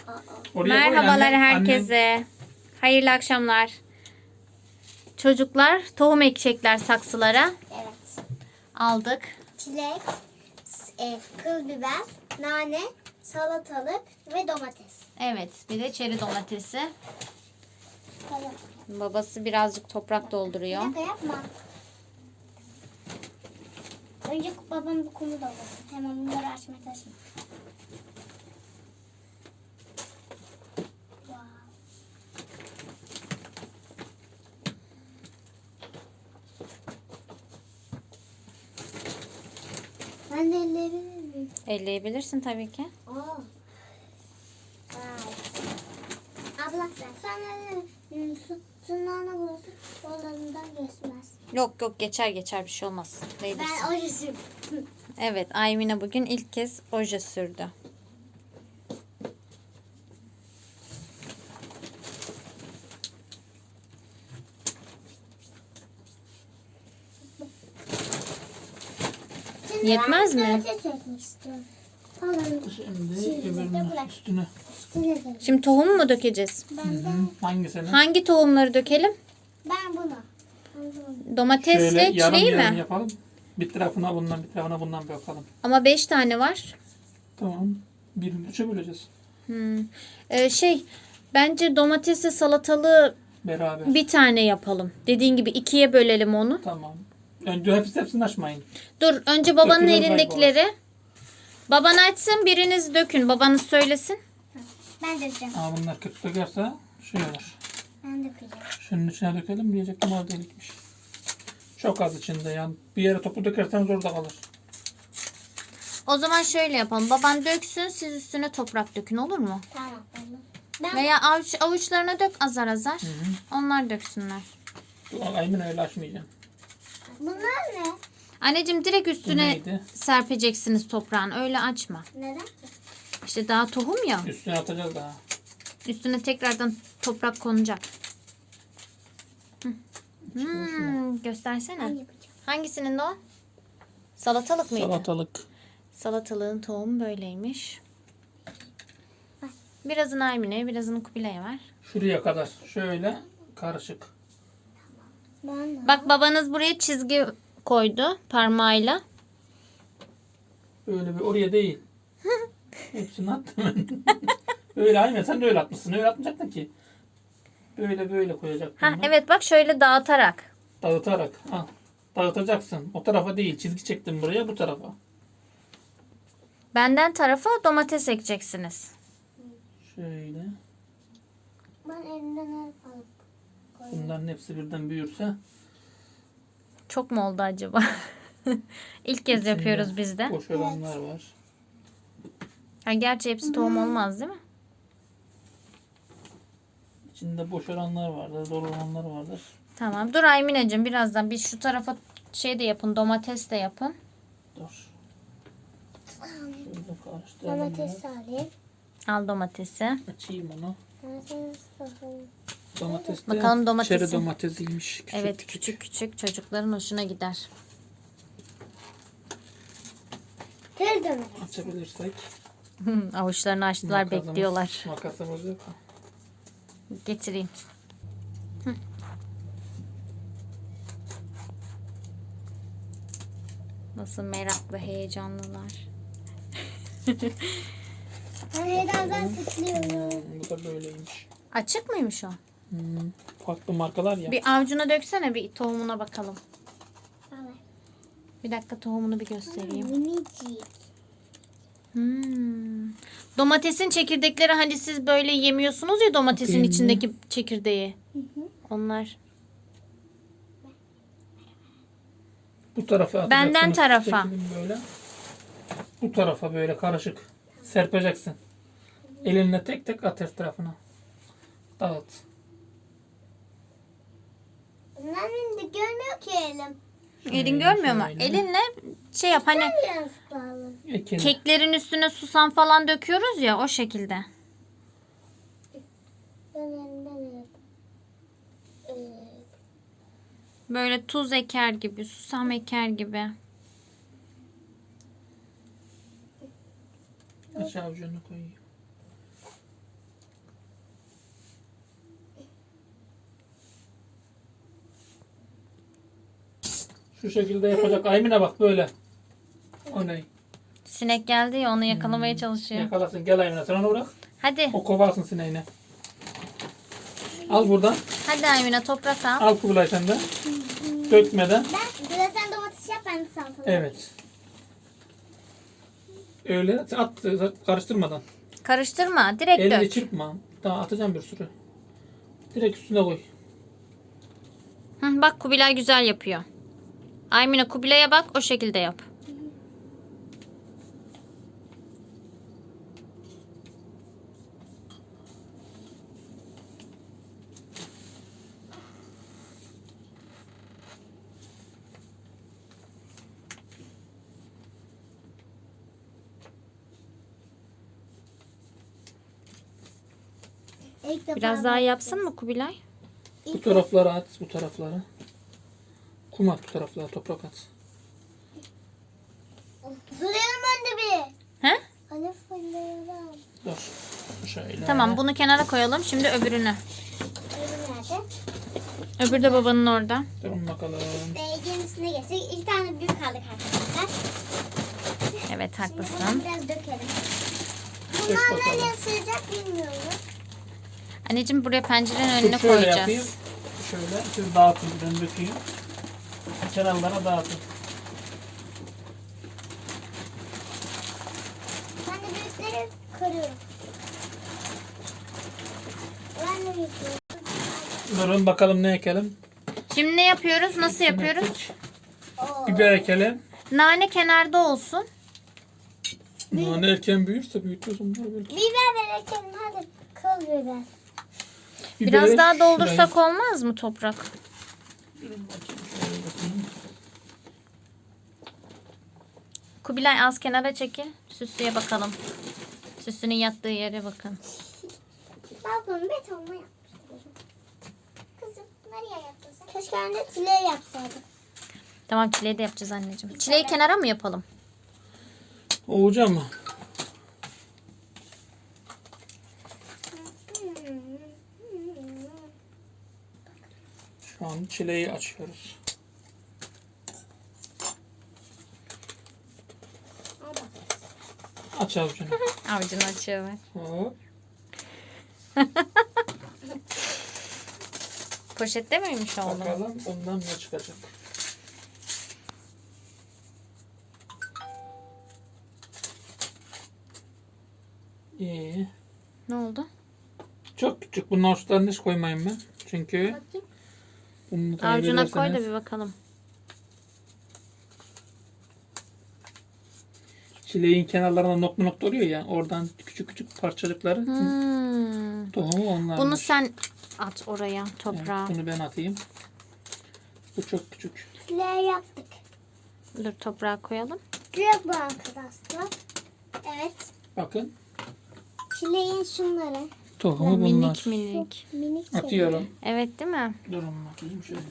Oraya koy Merhabalar annem. herkese. Hayırlı akşamlar. Çocuklar tohum ekecekler saksılara. Evet. Aldık. Çilek, kıl biber, nane, salatalık ve domates. Evet, bir de çeri domatesi. Tamam. Babası birazcık toprak Bir dolduruyor. dakika yapma. Önce babam bu kumu doldursun. Hemen bunları açma taşma. Wow. Ben de elleyebilir miyim? Elleyebilirsin tabii ki. Oo. Vay. Abla sen tırnağına bulursun. Yollarından geçmez. Yok geçer bir şey olmaz. Değdirsin. Ben o yüzüm. Evet, Aymine bugün ilk kez oje sürdü. Yetmez mi? Şimdi öbürünün üstüne. Şimdi tohumu mu dökeceğiz? Hangisini? Hangi tohumları dökelim? Ben bunu. Domatesle Şöyle yarım çileği yarım mi? yapalım. Bir tarafına bundan bir tarafına bundan bakalım. Ama 5 tane var. Tamam. Birini üçe böleceğiz. Bence domatesle salatalığı Beraber. bir tane yapalım. Dediğin gibi ikiye bölelim onu. Tamam. Önce hepsini açmayın. Dur, önce babanın Dökülür elindekileri. Baban açsın, biriniz dökün. Babanız söylesin. Ben dökeceğim. Ama bunlar kötü dökerse şey olur. Ben dökeceğim. Şunun içine dökelim diyecektim orada delikmiş. Çok az içinde yani. Bir yere toplu dökerseniz orada kalır. O zaman şöyle yapalım. Baban döksün, siz üstüne toprak dökün, olur mu? Tamam. Ben Veya avuçlarına dök azar azar. Onlar döksünler. Aynen öyle açmayacağım. bunlar ne? Anneciğim direkt Bu üstüne neydi? serpeceksiniz toprağın. Öyle açma. Neden ki? İşte daha tohum ya. Üstüne atacağız daha. Üstüne tekrardan toprak konacak. Göstersene. Ben yapacağım. Hangisinin de o? Salatalık mıydı? Salatalık. Salatalığın tohumu böyleymiş. Birazını Aymine'ye, birazını Kubilay'a ver. Şuraya kadar. Şöyle karışık. Ben de. Bak, babanız buraya çizgi koydu parmağıyla. Öyle bir oraya değil. Hepsini attım. Öyle aynen sen de öyle atmışsın. Öyle atmayacaktın ki. Böyle koyacaktın. Ha evet, bak şöyle dağıtarak. Dağıtarak. Ha. Dağıtacaksın. O tarafa değil. Çizgi çektim buraya bu tarafa. Benden tarafa domates ekeceksiniz. Şöyle. Ben elimden alıp Bunların hepsi birden büyürse. Çok mu oldu acaba? İlk kez içinde yapıyoruz biz de. Boş olanlar var. Ha, gerçi hepsi tohum olmaz değil mi? İçinde boş olanlar vardır. Dolu olanlar vardır. Tamam. Dur Aymineciğim, birazdan biz şu tarafa şey de yapın, domates de yapın. Dur. Şöyle karıştıralım. domates alayım. Al domatesi. Açayım onu. Domates alayım. Domates de Bakalım domatesi. çeri domatesiymiş. Küçük Evet, küçük çocukların hoşuna gider. Tır domates. Açabilirsek. Avuçlarını açtılar, Makasımız- bekliyorlar. Makasımız yok. Getireyim. Nasıl meraklı, heyecanlılar. Ben heyecandan titriyorum. Bu da böyleymiş. Açık mıymış o? Farklı markalar ya. Bir avucuna döksene, bir tohumuna bakalım. Evet. Bir dakika, tohumunu bir göstereyim. Minicik. Domatesin çekirdekleri, hani siz böyle yemiyorsunuz ya domatesin Bakayım içindeki çekirdeği. Onlar. Bu tarafa atacaksınız. Benden tarafa. Çekelim böyle. Bu tarafa böyle karışık. Serpeceksin. Elinle tek tek at her tarafına. Dağıt. Benim de görmüyor ki elim. Elin görmüyor mu? şöyle. Elinle şey yap, hani Biraz bağlı. Ekelim. keklerin üstüne susam falan döküyoruz ya, o şekilde. Ben elimden Böyle tuz eker gibi, susam eker gibi. Aşağı avucunu koyayım. Şu şekilde yapacak. Aymine bak böyle. O ne? Sinek geldi ya onu yakalamaya çalışıyor. Yakalasın. Gel Aymine sen onu bırak. Hadi. O kovarsın sineğini. Al buradan. Hadi Aymine toprak al. Al Kubilay sen de. Dökmeden. Biraz sen domates yap, ben de salatalık. Evet. Öyle at karıştırmadan. Karıştırma. Direkt Elini dök. çırpma. Daha atacağım bir sürü. Direkt üstüne koy. Hı, bak Kubilay güzel yapıyor. Aymine Kubilay'a bak o şekilde yap. İlk defa Biraz daha yapsın mı Kubilay? Bu taraflara at. Bu taraflara. Kum at bu taraflara. Toprak at. Fırlayalım önce bir. He? Hadi fırlayalım. Dur. Şöyle. Tamam bunu kenara koyalım. Şimdi öbürünü. Öbürü nerede? Öbürü de babanın orada. Durun bakalım. Yenisine geçtik. İki tane büyük kaldık arkadaşlar. Evet Şimdi haklısın. bunu biraz dökelim. Dök Bunlar bakalım. nereye sığacak bilmiyorum. Anneciğim buraya pencerenin önüne Dur, şöyle koyacağız. yapayım. Şöyle siz dağıtın. Ben dökeyim. Kenarlara dağıtın. Ben de büyükleri kırıyorum. Ben de büyükleri. Durun bakalım ne ekelim. Şimdi ne yapıyoruz? Nasıl yapıyoruz? Oo. Biber ekelim. Nane kenarda olsun. Nane erken büyürse büyütüyorsun bunları böyle. Biber verelim hadi. Kıl biber. Biraz Biberi daha doldursak şuraya- olmaz mı toprak? Durun bakayım, şöyle bakayım. Kubilay az kenara çekil. Süslüye bakalım. Süslünün yattığı yere bakın. Balkonu betonla yapmıştım. Kızım nereye yaptın sen? Keşke ben de çileği yapsaydım. Tamam çileği de yapacağız anneciğim. Çileği kenara mı yapalım? Ovuca mı? Şu an çileği açıyoruz. Aç avucunu. Avucunu açıyor bak. Hop. Poşette miymiş oğlum? Bakalım bundan ne çıkacak. İyi. Ne oldu? Çok küçük. Bunun uçlarını hiç koymayayım ben. Çünkü Bakayım. bunu Avucuna koy da kaybederseniz bir bakalım. çileğin kenarlarına nokta nokta oluyor ya. Oradan küçük küçük parçacıkları tohumu onlar. Bunu sen at oraya toprağa. Bunu ben atayım. Bu çok küçük. Çileği yaptık. Dur toprağa koyalım. Çilek bu arkadaşlar. Evet. Bakın. Çileğin şunları. Tohumu bunlar. Minik minik. Minik Atıyorum. Evet değil mi? Durun bakayım şöyle.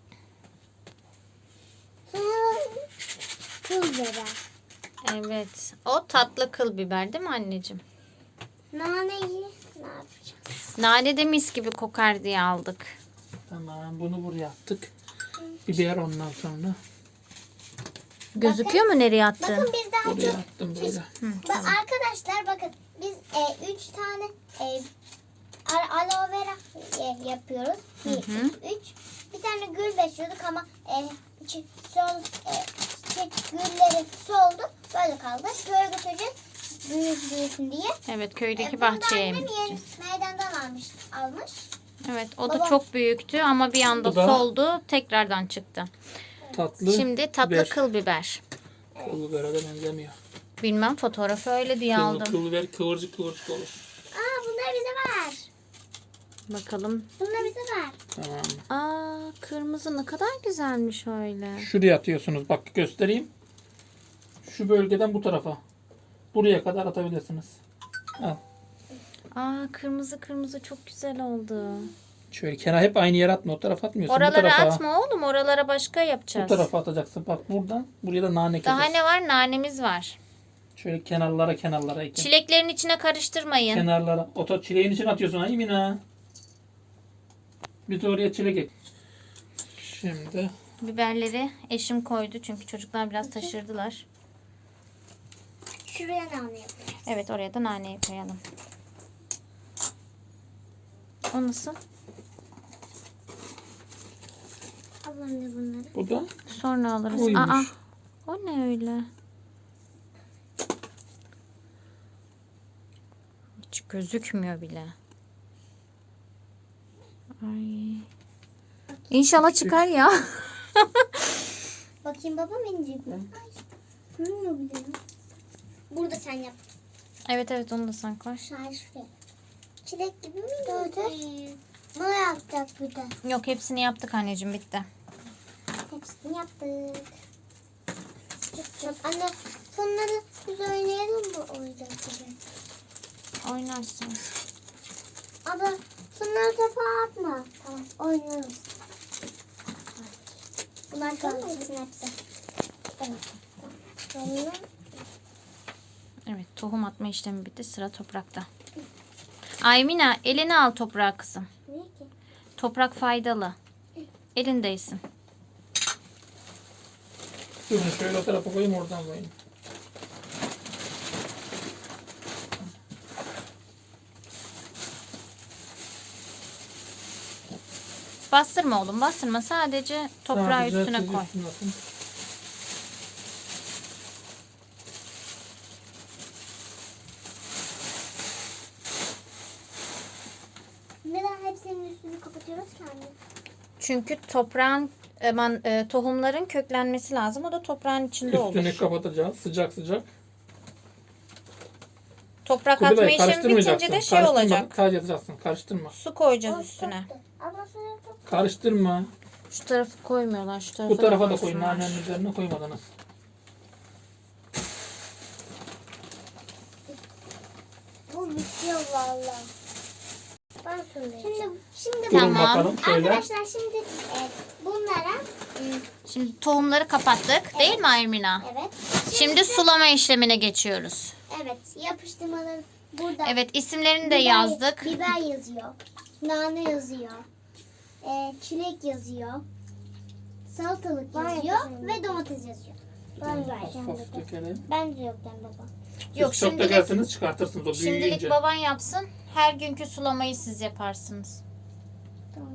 Sonra kıl biber. Evet. O tatlı kıl biber değil mi anneciğim? Naneyi ne yapacağız? Nane de mis gibi kokar diye aldık. Tamam bunu buraya attık. Biber ondan sonra. Gözüküyor mu nereye attın? Bakın biz daha Buraya çok... attım böyle. Arkadaşlar bakın biz 3 tane aloe vera yapıyoruz. 1, 2, 3. Bir tane gül besliyorduk ama çiçek gülleri soldu. Böyle kaldı. Köye götüreceğiz. Büyüsün diye. Evet köydeki Bunu da bahçeye annem yeni emeceğiz. meydandan almış. Evet o da Baba. çok büyüktü ama bir anda Bu da- soldu tekrardan çıktı. Tatlı. Şimdi tatlı biber. kıl biber. Kıl bibere de benzemiyor. Bilmem fotoğrafı öyle diye aldım. Kıl biber kıvırcık kıvırcık olur. Bunlar bize var. Bakalım. Bunlar bize var. Tamam. Aa kırmızı ne kadar güzelmiş öyle. Şuraya atıyorsunuz. Bak göstereyim. Şu bölgeden bu tarafa. Buraya kadar atabilirsiniz. Al. Aa kırmızı kırmızı çok güzel oldu. Şöyle kenar hep aynı yere atma. O tarafa atmıyorsun. bu Oralara tarafa. atma oğlum. Oralara başka Bu yapacağız. tarafa atacaksın. Bak buradan. Buraya da nane Daha ekeceğiz. ne var? Nanemiz var. Şöyle kenarlara ekin. Çileklerin içine karıştırmayın. Kenarlara. Ota çileğin için atıyorsun. Ay Mina. Bir de oraya çilek ek. Şimdi Biberleri eşim koydu çünkü çocuklar biraz taşırdılar. Şuraya nane yapıyoruz. Evet, oraya da naneyi koyalım. O nasıl? Ablam da bunları. Bu da Sonra alırız. Buymuş. Aa, o ne öyle? Hiç gözükmüyor bile. Ay. İnşallah çıkar ya. Bakayım babam inecek mi? Ay. Görünmüyor bile. Burada sen yap. Evet, onu da sen koy. Hayır şuraya. Çilek gibi mi? Dur. Ne yapacak bir de? Yok, hepsini yaptık anneciğim, bitti. Hepsini yaptık. Çok anne sonları biz oynayalım mı oyuncak gibi? Oynarsınız. Abla sonları topa atma. Tamam oynarız. Bunlar kaldı hepsi. Evet. Sonra Evet, tohum atma işlemi bitti. Sıra toprakta. Aymina, elini al toprağa kızım. ne ki? Toprak faydalı. Elindeysin. Durun şöyle o tarafa koyayım, oradan koyayım. Bastırma oğlum, bastırma. Sadece toprağı Sadece üstüne siz koy. üstüne atın. Neden hepsinin üstünü kapatıyoruz ki anne? Çünkü tohumların köklenmesi lazım. O da toprağın içinde Üstünü olur. kapatacağız. Sıcak sıcak. Toprak Kubilay, atma işlemi karıştırmayacaksın. bitince de şey Karıştırma, olacak. sadece atacaksın. Karıştırma. Su koyacağız üstüne. Abla sonra top. Karıştırma. Şu tarafı koymuyorlar. Şu tarafa Bu tarafa da koyun. koysunlar. Nanenin üzerine koymadınız. Bu bitiyor valla. Ben söyleyeceğim. Şimdi Durun Tamam. bakalım şöyle. arkadaşlar şimdi bunlara Şimdi tohumları kapattık. Değil mi Aymina? evet. Şimdi sulama işlemine geçiyoruz. Evet yapıştırmaları burada. Evet, isimlerini de yazdık. Biber yazıyor. Nane yazıyor. Çilek yazıyor. Salatalık yazıyor ve domates yazıyor. Of of dökelim. Ben de yokken baba. Yok, Siz çok şimdilik- dökerseniz çıkartırsınız o Şimdilik büyüyünce. baban yapsın. Her günkü sulamayı siz yaparsınız. Tamam.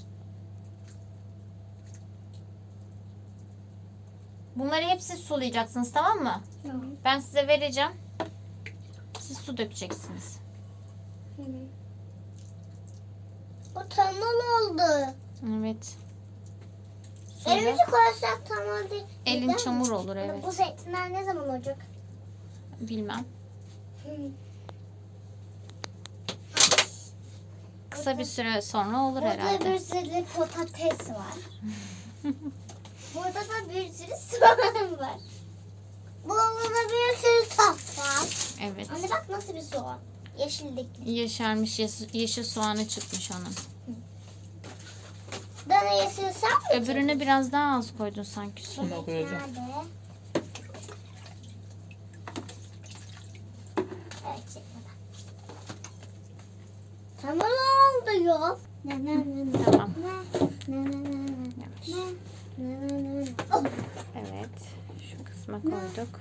Bunları hepsi sulayacaksınız, tamam mı? Tamam. Ben size vereceğim. Siz su dökeceksiniz. Bu tamam oldu. Evet. Suyla Elimizi koyarsak tamam değil. elin Neden? çamur olur, evet. Bu zeytinler ne zaman olacak? Bilmem. Kısa bir süre sonra olur Burada herhalde. bir sürü patates var. Burada da bir sürü soğan var. Burada da bir sürü tat var. Evet. Anne bak nasıl bir soğan. Yeşildeki. Yeşermiş, yeşil soğanı çıkmış onun. Dana yeşil sen mi? Öbürüne biraz daha az koydun sanki su. Şuna koyacağım. Nerede? Evet çekmeden. Tamam oldu yok. Tamam. Ne? Evet. Şu kısma koyduk.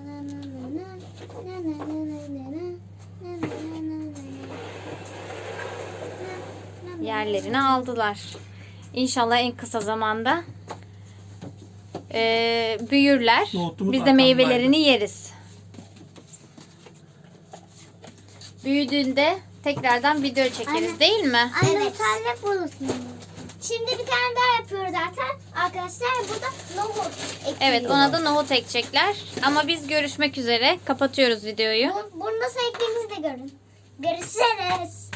Yerlerini aldılar. İnşallah en kısa zamanda büyürler. Nohutumuz Biz de arkamdaydı. meyvelerini yeriz. Büyüdüğünde tekrardan video çekeriz, Anne. değil mi? Anne evet. Tane bulursun. Şimdi bir tane daha yapıyoruz zaten. Arkadaşlar burada nohut ekliyoruz. Evet, ona da nohut ekecekler. Ama biz görüşmek üzere. Kapatıyoruz videoyu. Bunu nasıl ektiğimizi de görün. Görüşürüz.